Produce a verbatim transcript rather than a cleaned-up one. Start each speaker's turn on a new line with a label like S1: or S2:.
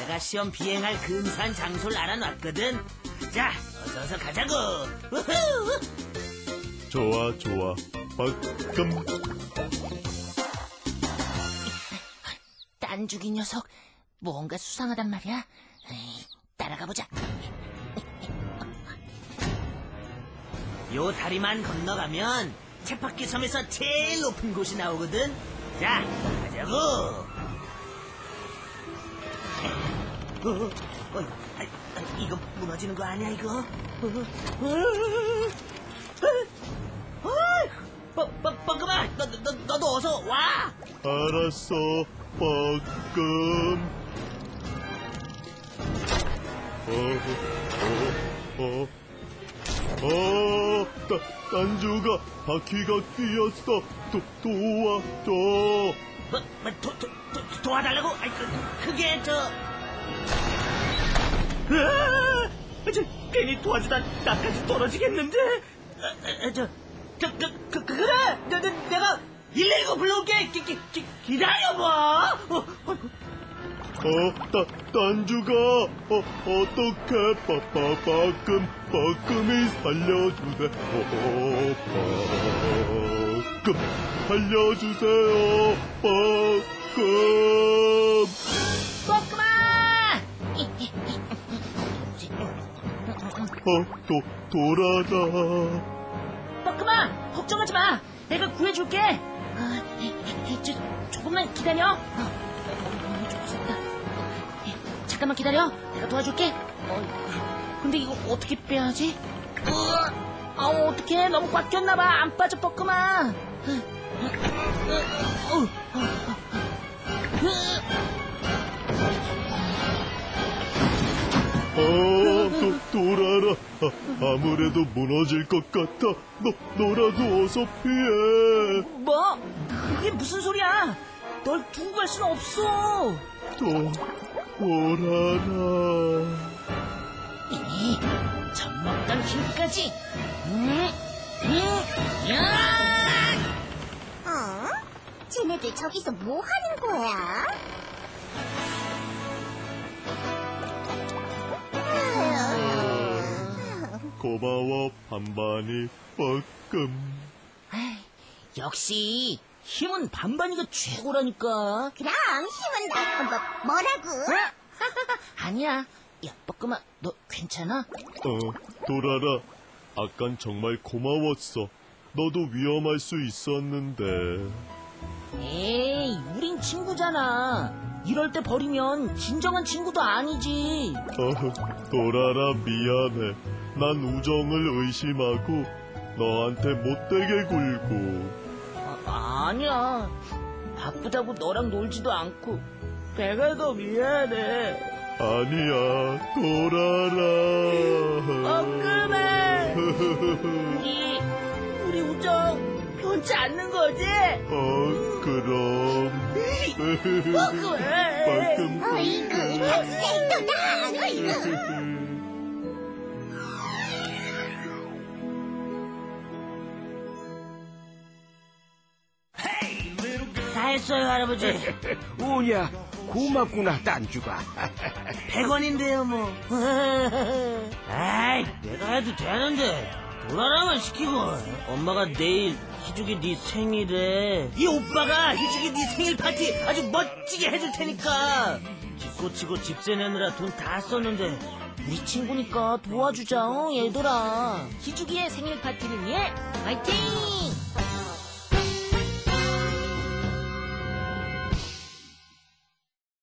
S1: 내가 시험 비행할 근사한 장소를 알아놨거든. 자, 어서 어서 가자고. 우후!
S2: 좋아, 좋아. 빠끔.
S3: 딴죽이 녀석, 뭔가 수상하단 말이야. 에이, 따라가보자.
S1: 요 다리만 건너가면 쳇바퀴 섬에서 제일 높은 곳이 나오거든. 자, 가자고. 어, 어, 아, 아, 이거 무너지는 거 아니야 이거? 어, 어, 어, 뻐, 뻐끔아, 너, 너, 너도 어서 와.
S2: 알았어, 빠끔. 어, 어, 어. 어, 따, 딴주가 바퀴가 끼었어. 도, 도와줘.
S1: 뭐, 뭐, 도, 도, 도, 도와달라고? 아이, 그, 그게 저... 으아! 저, 괜히 도와주다 나까지 떨어지겠는데? 아, 아, 저, 저, 그, 그, 그, 그래! 내, 내, 내가 일일구 불러올게! 기, 기, 기, 기다려봐! 어, 어,
S2: 어, 따, 딴주가, 어, 어떡해, 빠, 빠, 빠끔, 빠끔이 살려주세, 어, 빠끔, 살려주세요, 빠끔.
S3: 뻐끔아!
S2: 어, 도, 돌아다.
S3: 뻐끔아, 걱정하지 마. 내가 구해줄게. 아, 이, 이, 이, 저, 조금만 기다려. 어, 어, 좀 무섭다. 어, 예, 잠깐만 기다려. 내가 도와줄게. 어, 근데 이거 어떻게 빼야 하지? 어, 아, 어떡해. 너무 꽉 꼈나봐. 안 빠져, 뻐끔아. 어, 어, 어, 어, 어, 어.
S2: 어, 도, 돌아라. 아, 아무래도 무너질 것 같아. 너, 너라도 어서 피해.
S3: 뭐? 그게 무슨 소리야? 널 두고 갈 순 없어.
S2: 도, 돌아라.
S3: 이, 젖먹던 힘까지. 음, 음, 야!
S4: 어? 쟤네들 저기서 뭐 하는 거야?
S2: 고마워, 반반이 빠끔.
S3: 아이, 역시 힘은 반반이가 최고라니까.
S4: 그럼 힘은 나, 뭐, 뭐라고?
S3: 아니야. 야, 뻐끔아, 너 괜찮아?
S2: 어, 돌아라. 아깐 정말 고마웠어. 너도 위험할 수 있었는데.
S3: 에이, 우린 친구잖아. 이럴 때 버리면 진정한 친구도 아니지.
S2: 어, 돌아라, 미안해. 난 우정을 의심하고 너한테 못되게 굴고.
S3: 아, 아니야. 바쁘다고 너랑 놀지도 않고 배가 더 미안해.
S2: 아니야, 돌아라.
S3: 뻐끔해. 우리 우리 우정 변치 않는 거지?
S2: 어, 그럼.
S3: 뻐끔해.
S2: 빠끔.
S4: 어이구, 학생도다! 어이구.
S1: 다 했어요, 할아버지.
S5: 오냐, 고맙구나, 딴주가.
S1: 백 원인데요, 뭐. 아이, 내가 해도 되는데. 돌아라만 시키고. 엄마가 내일 희죽이 네 생일에 이 오빠가 희죽이 네 생일 파티 아주 멋지게 해줄 테니까. 집 고치고 집세 내느라 돈 다 썼는데
S3: 우리 친구니까 도와주자, 어, 얘들아. 희죽이의 생일 파티를 위해 화이팅!